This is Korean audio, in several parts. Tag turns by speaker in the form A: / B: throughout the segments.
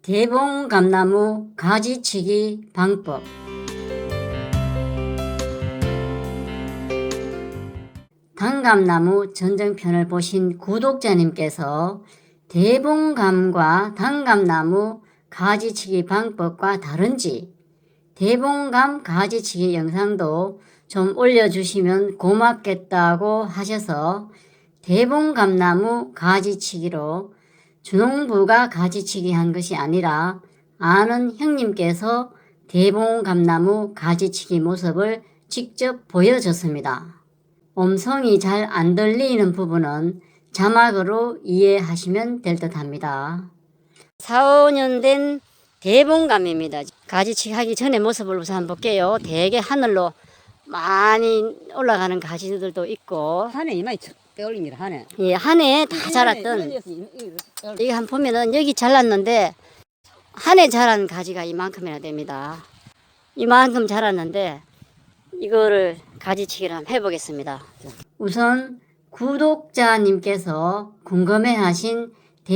A: 대봉감나무 가지치기 방법. 단감나무 전쟁편을 보신 구독자님께서 대봉감과 단감나무 가지치기 방법과 다른지 대봉감 가지치기 영상도 좀 올려주시면 고맙겠다고 하셔서 대봉감나무 가지치기로 주농부가 가지치기 한 것이 아니라 아는 형님께서 대봉감나무 가지치기 모습을 직접 보여줬습니다. 음성이 잘 안 들리는 부분은 자막으로 이해하시면 될 듯 합니다. 4, 5년 된 대봉감입니다. 가지치기 하기 전에 모습을 우선 한번 볼게요. 되게 하늘로 많이 올라가는 가지들도 있고,
B: 한해 이마에 빼올립니다. 한해.
A: 예, 한 해 다 자랐던, 이거 한번 보면은 여기 잘랐는데 한 해 자란 가지가 이만큼이나 됩니다. 이만큼 자랐는데 이거를 가지치기를 한번 해보겠습니다. 우선 구독자님께서 궁금해하신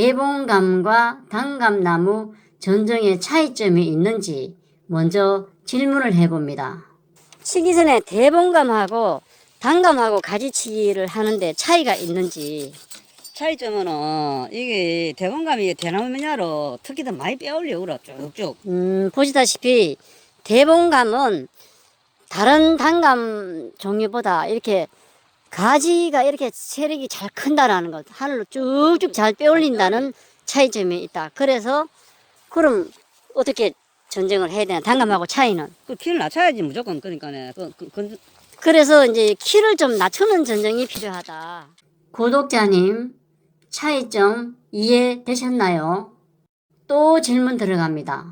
A: 대봉감과 단감나무 전종의 차이점이 있는지 먼저 질문을 해봅니다. 치기 전에 대봉감하고 단감하고 가지치기를 하는데 차이가 있는지.
B: 차이점은 이게 대봉감이 대나무 면야로 특히 더 많이 빼올려 그래 쭉쭉.
A: 보시다시피 대봉감은 다른 단감 종류보다 이렇게 가지가 이렇게 세력이 잘 큰다라는 것, 하늘로 쭉쭉 잘 빼올린다는 차이점이 있다. 그래서 그럼 어떻게 전쟁을 해야 되나? 단감하고 차이는?
B: 그 키를 낮춰야지 무조건. 그러니까네.
A: 그래서 이제 키를 좀 낮추는 전쟁이 필요하다. 구독자님, 차이점 이해되셨나요? 또 질문 들어갑니다.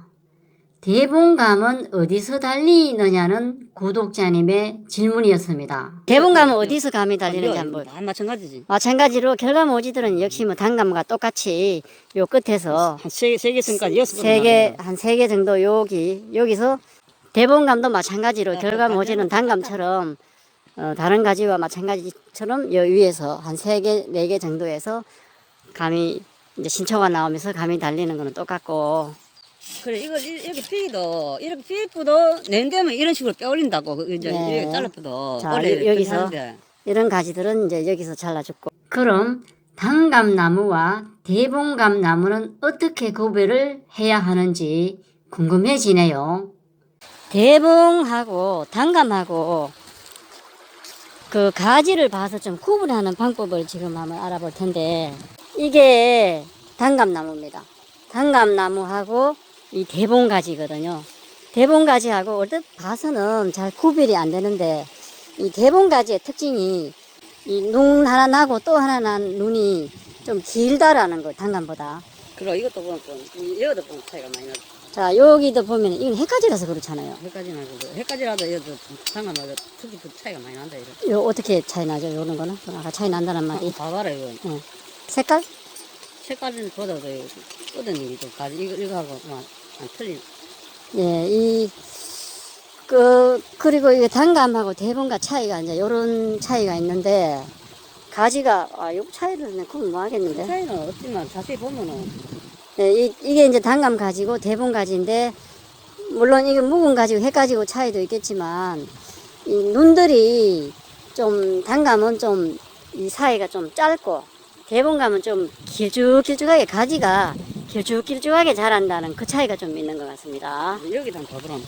A: 대봉감은 어디서 달리느냐는 구독자님의 질문이었습니다. 대봉감은 어디서 감이 달리는지 한번.
B: 다 마찬가지지.
A: 마찬가지로 결과모지들은 역시 뭐 단감과 똑같이 요 끝에서
B: 한 세 개 선까지 여섯
A: 한 세 개 정도 여기서 대봉감도 마찬가지로 결과모지는 단감처럼 다른 가지와 마찬가지처럼 요 위에서 한 세 개, 네 개 정도에서 감이 이제 신초가 나오면서 감이 달리는 거는 똑같고.
B: 그래 이거 이렇게 피도 이렇게 피부도 낸데면 이런 식으로 빼올린다고 이제
A: 네.
B: 이렇게 잘라도
A: 자, 여기서 이런 가지들은 이제 여기서 잘라줬고. 그럼 단감나무와 대봉감나무는 어떻게 구별을 해야 하는지 궁금해지네요. 대봉하고 단감하고 그 가지를 봐서 좀 구분하는 방법을 지금 한번 알아볼 텐데, 이게 단감나무입니다. 단감나무하고 이 대봉가지거든요. 대봉가지하고 얼핏 봐서는 잘 구별이 안 되는데, 이 대봉가지의 특징이 이 눈 하나 나고 또 하나 난 눈이 좀 길다라는 거, 단감보다.
B: 그리고 이것도 보면 이것도 보면 차이가 많이 나죠.
A: 자, 여기도 보면 이건 헷가지라서 그렇잖아요.
B: 헷갈리라도 이것도 상관마다 특히 그 차이가 많이 난다 이거.
A: 요 어떻게 차이 나죠? 요런 거는 아까 차이 난다는 말이.
B: 봐봐라 이거.
A: 색깔?
B: 색깔은 보다도 끄는 일이 좀 가지 이거하고 안 틀린.
A: 예, 그리고 이게 단감하고 대봉과 차이가 이제 요런 차이가 있는데, 가지가, 요 차이를 구분 뭐 하겠는데?
B: 그 차이는 없지만 자세히 보면은.
A: 예, 이게 이제 단감 가지고 대봉 가지인데, 물론 이게 묵은 가지고 해 가지고 차이도 있겠지만, 이 눈들이 좀, 단감은 좀, 이 사이가 좀 짧고, 대봉감은 좀 길쭉길쭉하게, 가지가 길쭉길쭉하게 자란다는 그 차이가 좀 있는 것 같습니다.
B: 여기도 한번 봐보라.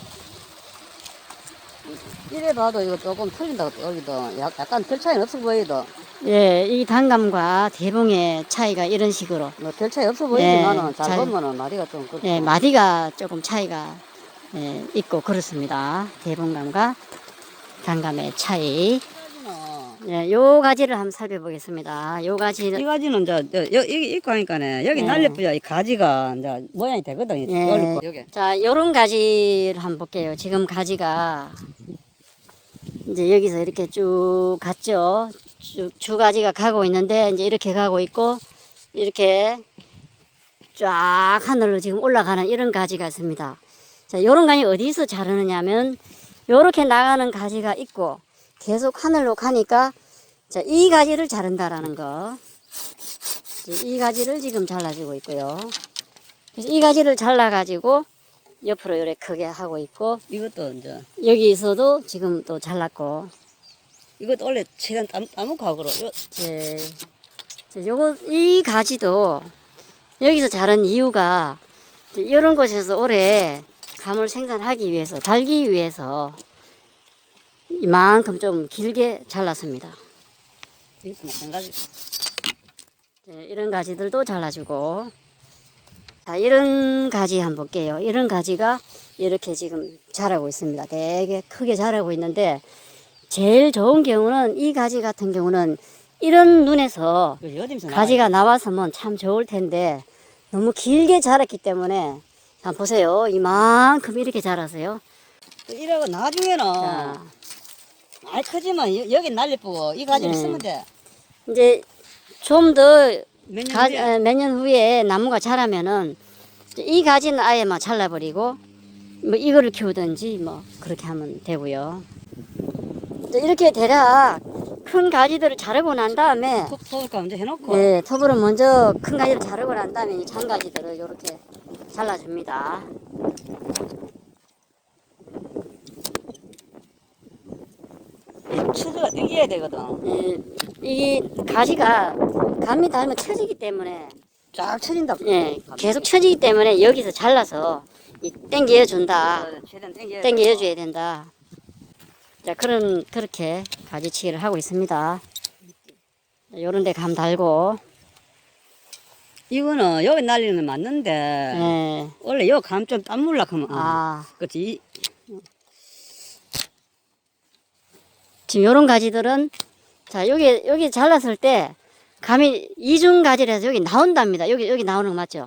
B: 이래 봐도 이거 조금 틀린다고 여기도 약간 별 차이는 없어 보이도.
A: 예, 이 단감과 대봉의 차이가 이런 식으로.
B: 뭐 별 차이 없어 보이지만은
A: 예,
B: 잘 보면은 마디가 좀 그렇고.
A: 예, 마디가 조금 차이가 있고 그렇습니다. 대봉감과 단감의 차이. 예, 요 가지를 한번 살펴보겠습니다. 요 가지는.
B: 이 가지는 이제 여기 입고 하니까네 여기 날렵부야 이 가지가 이제 모양이 되거든.
A: 예.
B: 여기.
A: 자, 요런 가지를 한번 볼게요. 지금 가지가 이제 여기서 이렇게 쭉 갔죠. 주 가지가 가고 있는데, 이제 이렇게 가고 있고, 이렇게 쫙 하늘로 지금 올라가는 이런 가지가 있습니다. 자, 요런 가지 어디서 자르느냐 하면, 요렇게 나가는 가지가 있고, 계속 하늘로 가니까, 자, 이 가지를 자른다라는 거. 이 가지를 지금 잘라주고 있고요. 그래서 이 가지를 잘라가지고 옆으로 이렇게 크게 하고 있고,
B: 이것도 이제
A: 여기서도 지금 또 잘랐고,
B: 이것도 원래 최대한 따먹고 하고
A: 예. 요거, 이 가지도 여기서 자란 이유가 이런 곳에서 오래 감을 생산하기 위해서, 달기 위해서 이만큼 좀 길게 잘랐습니다.
B: 이것도 마찬가지.
A: 네, 이런 가지들도 잘라주고. 자, 이런 가지 한번 볼게요. 이런 가지가 이렇게 지금 자라고 있습니다. 되게 크게 자라고 있는데, 제일 좋은 경우는 이 가지 같은 경우는 이런 눈에서
B: 어디서
A: 가지가 나와서면 참 좋을 텐데, 너무 길게 자랐기 때문에, 자, 보세요. 이만큼 이렇게 자라세요.
B: 이러고 나중에는
A: 자,
B: 많이 크지만 여기 날리쁘고 이 가지를
A: 네.
B: 쓰면 돼.
A: 이제 좀 더
B: 몇 년 후에.
A: 몇 년 후에 나무가 자라면은 이 가지는 아예 막 잘라버리고 뭐 이거를 키우든지 뭐 그렇게 하면 되고요. 이제 이렇게 대략 큰 가지들을 자르고 난 다음에
B: 톱 먼저 해놓고
A: 네, 톱으로 먼저 큰 가지를 자르고 난 다음에 이 장가지들을 이렇게 잘라줍니다.
B: 추드가 땡겨야 되거든.
A: 예, 이 가지가 감이 닿으면 처지기 때문에
B: 쫙 쳐진다.
A: 예, 계속 처지기 때문에 여기서 잘라서 땡겨 준다.
B: 최대한 땡겨야
A: 땡겨 줘야 된다. 자, 그렇게 가지치기를 하고 있습니다. 요런 데 감 달고.
B: 이거는 여기 날리는 건 맞는데
A: 예.
B: 원래 여기 감 좀 땀물라 하면
A: 아,
B: 그렇지.
A: 지금 요런 가지들은 자, 여기 잘랐을 때 감이 이중 가지라서 여기 나온답니다. 여기 나오는 거 맞죠?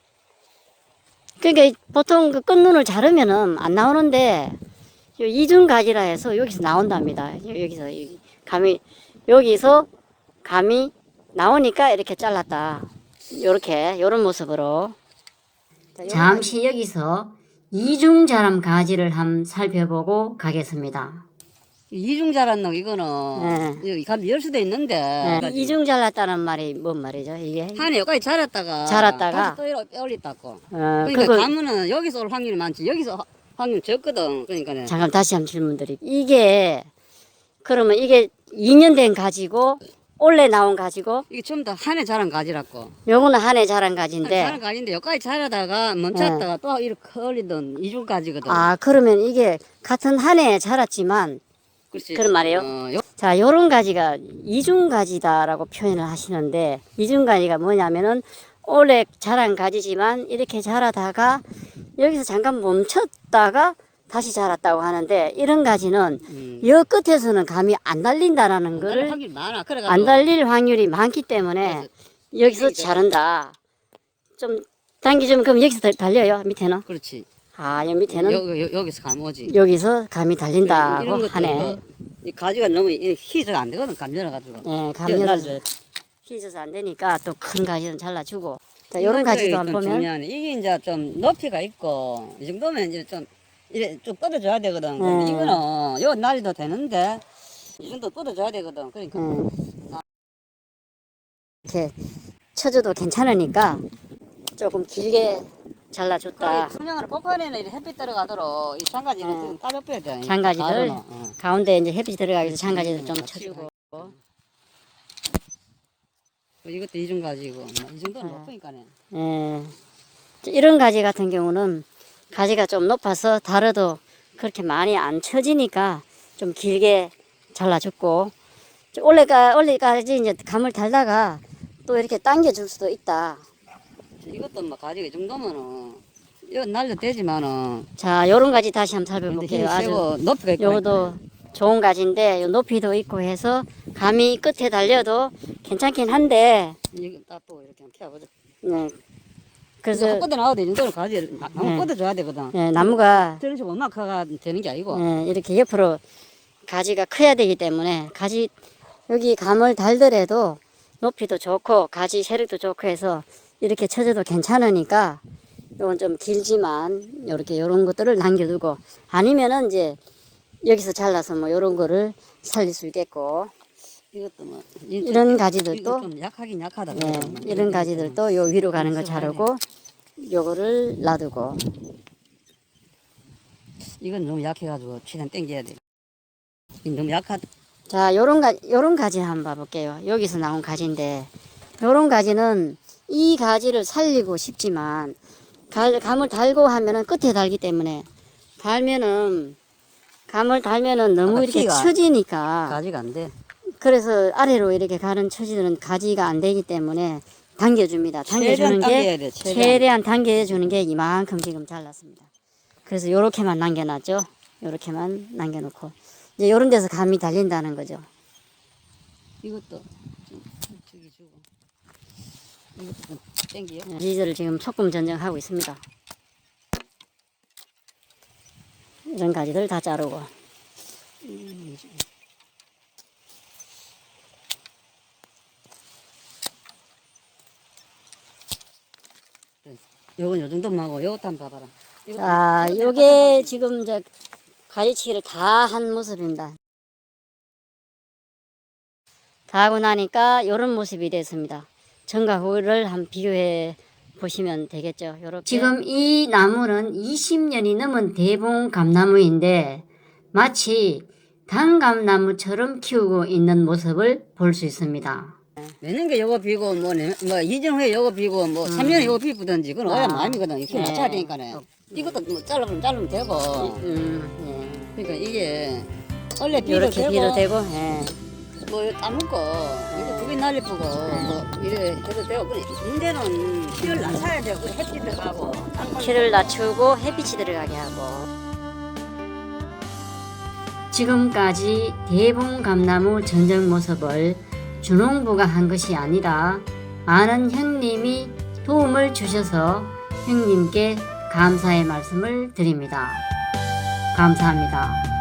A: 그러니까 보통 그 끝눈을 자르면은 안 나오는데 요 이중 가지라 해서 여기서 나온답니다. 여기서 여기서 감이 나오니까 이렇게 잘랐다. 요런 모습으로. 잠시 여기서 이중 자람 가지를 한번 살펴보고 가겠습니다.
B: 이중 자랐노 이거는 여기 감 열 수도 있는데
A: 네, 이중 잘랐다는 말이 뭔 말이죠? 이게
B: 한에 여기까지 자랐다가
A: 자랐다가?
B: 다시 또 이렇게 올렸다고.
A: 그거
B: 그러니까 감은 여기서 올 확률이 많지 여기서 확률 적거든. 그러니까
A: 잠깐 다시 한번 질문 드릴게요. 그러면 이게 2년 된 가지고 올해 나온 가지고
B: 이게 전부 다 한해 자란 가지라고.
A: 요거는 한 해 자란
B: 자란
A: 가지인데
B: 가지인데 여기까지 자라다가 멈췄다가 또 이렇게 올리던 이중 가지거든.
A: 그러면 이게 같은 한 해 자랐지만
B: 그렇지.
A: 그런 말이에요? 자, 요런 가지가 이중 가지다라고 표현을 하시는데 이중 가지가 뭐냐면은 올해 자란 가지지만 이렇게 자라다가 여기서 잠깐 멈췄다가 다시 자랐다고 하는데 이런 가지는 여 끝에서는 감이 안 달린다라는 거를
B: 확률이 많아. 그래가지고
A: 안 달릴 확률이 많기 때문에 여기서 자른다. 좀 당기주면 그럼 여기서 달려요 밑에는?
B: 그렇지.
A: 여기 밑에는
B: 여기서 감 오지.
A: 여기서 감이 달린다고
B: 이런 것도
A: 하네.
B: 이 가지가 너무 희소가 안 되거든. 감 열어가지고.
A: 네, 감열을 휘져서 안 되니까 또 큰 가지는 잘라주고. 자, 요런 가지도 한번 보면
B: 중요하네. 이게 이제 좀 높이가 있고 이 정도면 이제 좀 이래 쭉 뻗어줘야 되거든.
A: 네.
B: 근데 이거는 요 날리도 되는데 이 정도 뻗어줘야 되거든. 그러니까
A: 이렇게 쳐줘도 괜찮으니까 조금 길게 잘라줬다.
B: 투명으로 뽑아내는 이렇게 햇빛 들어가도록 이 장가지를 좀 따져빼야 돼.
A: 장가지들
B: 가루는,
A: 가운데 이제 햇빛이 들어가기 위해서 장가지들 좀 쳐주고.
B: 이것도 이중 가지고 이 정도는 높으니까네.
A: 예. 이런 가지 같은 경우는 가지가 좀 높아서 다려도 그렇게 많이 안 쳐지니까 좀 길게 잘라줬고 올해까지 이제 감을 달다가 또 이렇게 당겨줄 수도 있다.
B: 이것도 뭐 가지가 이 정도면은 이거 날려도 되지만은
A: 자, 요런 가지 다시 한번
B: 근데
A: 살펴볼게요.
B: 힘이 세고
A: 아주
B: 높이가 있고
A: 요것도 좋은 가지인데 요 높이도 있고 해서 감이 끝에 달려도 괜찮긴 한데
B: 이거 딱또 이렇게 한번 펴보자.
A: 네.
B: 그래서
A: 그래서
B: 뻗어 나와도 이 정도는 가지를 한번 뻗어줘야 되거든.
A: 네, 나무가
B: 저런 식으로 엄마카가 되는 게 아니고
A: 이렇게 옆으로 가지가 커야 되기 때문에 여기 감을 달더라도 높이도 좋고 가지 세력도 좋고 해서 이렇게 쳐줘도 괜찮으니까 요건 좀 길지만 요런 것들을 남겨두고 아니면은 이제 여기서 잘라서 뭐 요런 거를 살릴 수 있겠고
B: 이것도 뭐
A: 이런 가지들도
B: 좀 약하긴 약하다.
A: 이런 가지들도 요 위로 가는 거 자르고 요거를 놔두고.
B: 이건 너무 약해가지고 최대한 당겨야 돼. 이거 너무 약하다.
A: 자, 요런 가지 한번 봐볼게요. 여기서 나온 가지인데, 요런 가지는 이 가지를 살리고 싶지만, 감을 달고 하면은 끝에 달기 때문에, 감을 달면은 너무
B: 아까
A: 이렇게
B: 키가
A: 처지니까,
B: 가지가 안 돼.
A: 그래서 아래로 이렇게 가는 처지들은 가지가 안 되기 때문에 당겨줍니다. 당겨주는
B: 최대한 당겨야
A: 게,
B: 돼.
A: 최대한 당겨주는 게 이만큼 지금 잘랐습니다. 그래서 요렇게만 남겨놨죠. 요렇게만 남겨놓고. 이제 요런 데서 감이 달린다는 거죠.
B: 이것도 좀 저기 주고. 이것도 좀 당겨.
A: 리즈를 지금 소금 전쟁하고 있습니다. 이런 가지들 다 자르고.
B: 요건 요 정도만 하고 요것도 한번 봐봐라.
A: 자, 요게 지금 이제 가지치기를 다 한 모습입니다. 다 하고 나니까 요런 모습이 됐습니다. 전과 후를 한번 비교해 보시면 되겠죠. 요렇게. 지금 이 나무는 20년이 넘은 대봉 감나무인데 마치 단감나무처럼 키우고 있는 모습을 볼 수 있습니다.
B: 내년에 요거 비고 뭐 2년 후에 요거 비고 뭐 3년에 요거 비우든지 그건 어야 마음이거든. 이렇게 맞춰야 되니까네. 이것도 뭐 자르면 되고.
A: 예.
B: 그러니까 이게 원래 비도
A: 요렇게
B: 되고
A: 비도 되고, 예.
B: 뭐 따먹고 이거 두개 날리고 뭐 이래 해도 되고. 근데 문제는 키를 낮춰야 되고 햇빛 들어가고
A: 키를 낮추고 햇빛이 들어가게 하고. 지금까지 대봉감나무 전쟁 모습을 준홍부가 한 것이 아니라 많은 형님이 도움을 주셔서 형님께 감사의 말씀을 드립니다. 감사합니다.